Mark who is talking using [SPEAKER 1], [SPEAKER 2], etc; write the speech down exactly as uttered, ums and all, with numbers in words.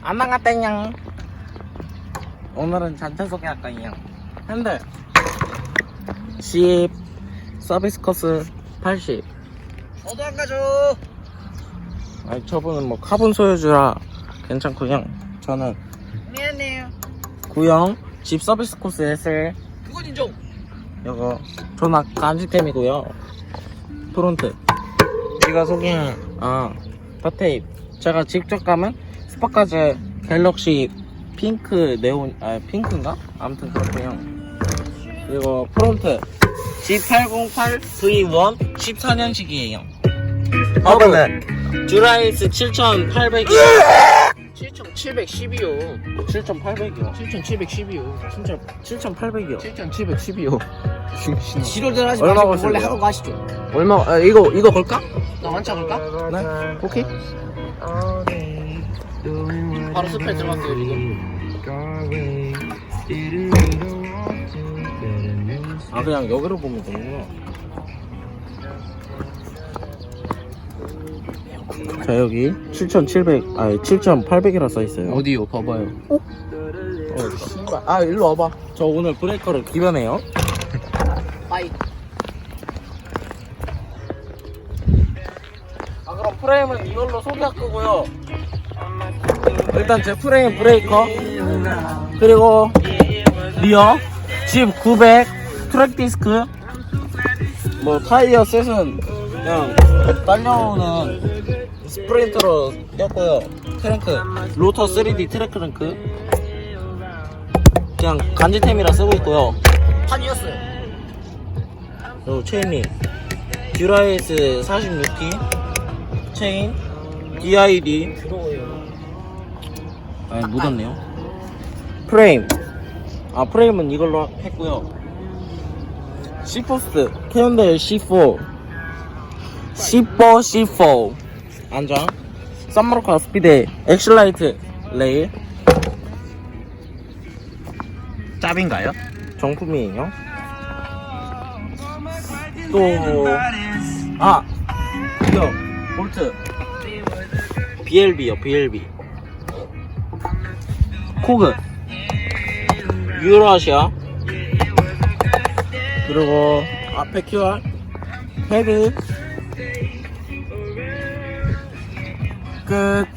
[SPEAKER 1] 안 나갔다냥. 오늘은 잔차 소개할 거예요. 핸들 십, 서비스 코스 팔십.
[SPEAKER 2] 저도 안 가죠.
[SPEAKER 1] 아니 저분은 뭐 카본 소유주라 괜찮고요. 저는
[SPEAKER 2] 미안해요.
[SPEAKER 1] 구형 집 서비스 코스 에스엘.
[SPEAKER 2] 그건 인정.
[SPEAKER 1] 이거 전화 간지템이고요. 프론트 제가 소개한 아 파테입 제가 직접 감은 스파카즈 갤럭시 핑크 네온 아 핑크인가? 아무튼 그렇고요. 그리고 프론트 지 팔공팔 브이 원 십사 년식이에요. 바로 듀라이스 칠천팔백이요.
[SPEAKER 2] 칠천칠백십이요.
[SPEAKER 1] 칠천팔백이요.
[SPEAKER 2] 칠천칠백십이요.
[SPEAKER 1] 진짜 칠천팔백이요.
[SPEAKER 2] 칠천칠백십이요.
[SPEAKER 1] 지랄들 하지
[SPEAKER 2] 얼마
[SPEAKER 1] 마시고
[SPEAKER 2] 벌써
[SPEAKER 1] 원래
[SPEAKER 2] 이거?
[SPEAKER 1] 하고 가시죠.
[SPEAKER 2] 얼마? 아, 이거 이거 걸까? 나 완차 걸까?
[SPEAKER 1] 네?
[SPEAKER 2] 오케이. 바로 스펠 들어갈게요 지금.
[SPEAKER 1] 아 그냥 여기로 보면 되는구나. 자 여기 칠천칠백 아니 칠천팔백이라 써있어요.
[SPEAKER 2] 어디요? 봐봐요.
[SPEAKER 1] 어 씨발 아 일로 와봐. 저 오늘 브레이커를 기변해요.
[SPEAKER 2] 빠이.
[SPEAKER 1] 아 그럼 프레임은 이걸로 소개할 거고요. 일단 제 프레임 브레이커 그리고 리어 집 구백 트랙 디스크 뭐 타이어 셋은 그냥 딸려오는 스프린트로 꼈고요. 트렁크 로터 쓰리디 트랙 트렁크 그냥 간지템이라 쓰고 있고요.
[SPEAKER 2] 판이었어요.
[SPEAKER 1] 그리고 체인이 듀라이스 사십육 티 체인 디아이디
[SPEAKER 2] 부러워요.
[SPEAKER 1] 아니 묻었네요. 프레임 아 프레임은 이걸로 했고요. C포스트 캐논델 씨4 씨4 씨4 안장 썬마르카 스피드 엑슬라이트 레일 짭인가요? 정품이에요. 또아 이거 볼트 비엘비요 비엘비 코그 유로아시아 그리고 앞에 큐알 헤드 끝.